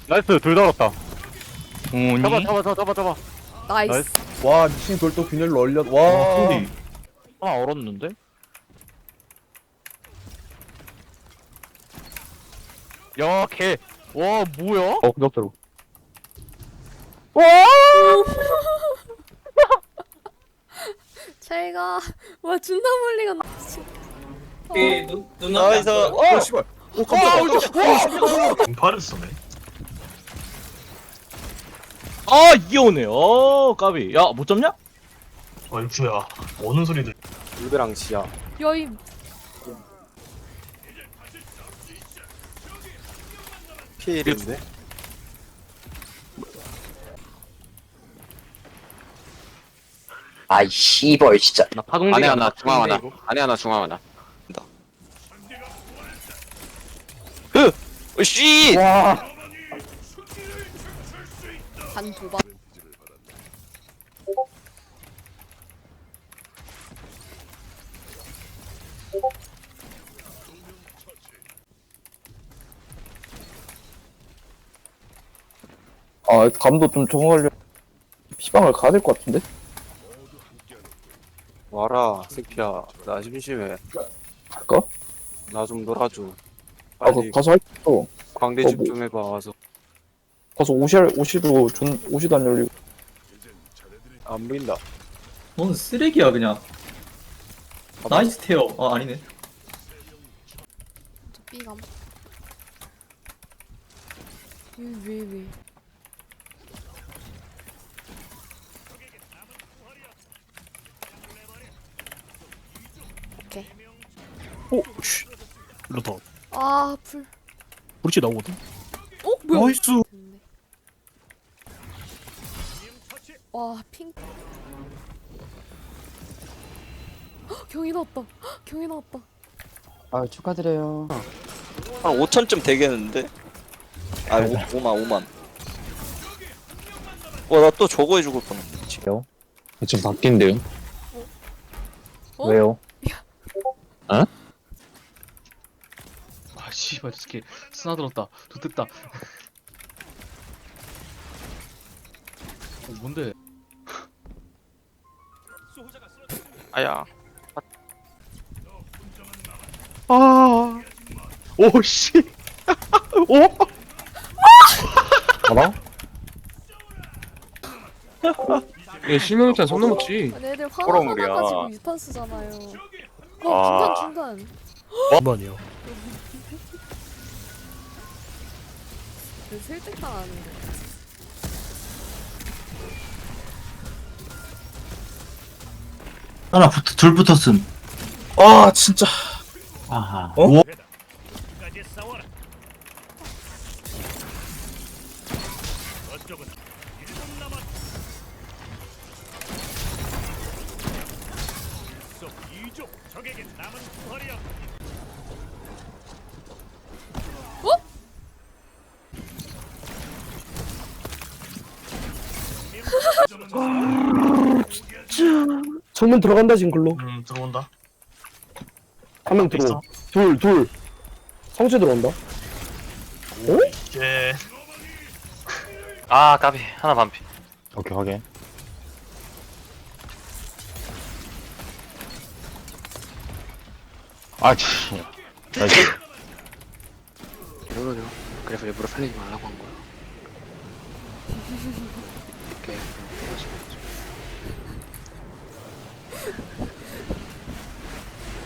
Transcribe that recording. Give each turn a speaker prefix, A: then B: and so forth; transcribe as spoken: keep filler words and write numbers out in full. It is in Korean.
A: 나이스 둘 달았다.
B: 오니?
A: 잡아 잡아 잡아 잡아 잡아.
C: 나이스.
A: 나이스.
D: 와 미친 돌도 균열로 얼려.
B: 와,
D: 와.
B: 소리.
A: 하나 얼었는데? 야, 개. 와, 뭐야?
D: 어 그것대로.
C: 제가 와 존나 멀리가 나. 어.
E: 이 눈, 눈
B: 나이스.
D: 어 씨발. 오 깜짝이야.
F: 공파를 쓰네.
B: 아, 이게 오네. 어, 까비. 야, 못 잡냐?
F: 얼추야. 오는 소리들.
D: 울베랑 지야.
C: 여이
D: 피일인데.
G: 아이 씨벌 진짜.
B: 나 파동대.
G: 안에 하나 중앙 하나 안에 하나 중앙 하나 흐! 으씨!
D: 와.
C: 반 도박.
D: 아 감도 좀 적응하려. 피방을 가야 될 것 같은데.
H: 와라 새끼야 나 심심해
D: 갈까?
H: 나 좀 놀아줘
D: 아
H: 빨리
D: 그 가서 할거
H: 광대
D: 어,
H: 집
D: 뭐.
H: 좀 해봐 와서
D: 가서 옷이 옷이도 존 옷이도 안 열리고.
H: 안 보인다
E: 뭔 쓰레기야 그냥. 나이스 테어. 아 아니네.
C: 저 B감. 왜 왜 왜? 오케이.
I: 오, 씨. 이러다
C: 아 불.
I: 브릿지 나오거든.
C: 어 뭐야?
I: 나이스.
C: 됐네. 와 핑. 헉, 경이 나왔다. 헉, 경이 나왔다.
J: 아 축하드려요.
B: 한 오천쯤 되겠는데? 아, 오, 오만, 오만. 와, 나 또 저거 해주고 뻔했네. 지금.
G: 좀 바뀐대요.
C: 어?
G: 왜요?
I: 아, 씨발, 저 새끼 스나들었다. 좋됐다. 어, 뭔데?
B: 아야.
I: 아, 오, 씨. 오?
D: 알아?
I: 예, 실명일단 손 넘었지.
C: 아니 애들 화나
B: 호러물이야.
C: 화나가지고 유탄 쓰잖아요. 어 중간 중간.
I: 한번이요.
C: 왜 설득당하는데?
E: 하나 붙, 둘 붙었음.
D: 아 진짜.
J: 아하.
D: 어? 정문 들어간다 지금 글로.
F: 음 들어온다.
D: 한 명 들어.
F: 있어.
D: 둘 둘. 성체 들어온다.
F: 이제
B: 아, 까비. 하나 반피.
G: 오케이 확인. 아 치. 나이스.
H: 이러려 그래서 일부러 살리지 말라고 한 거야 오케이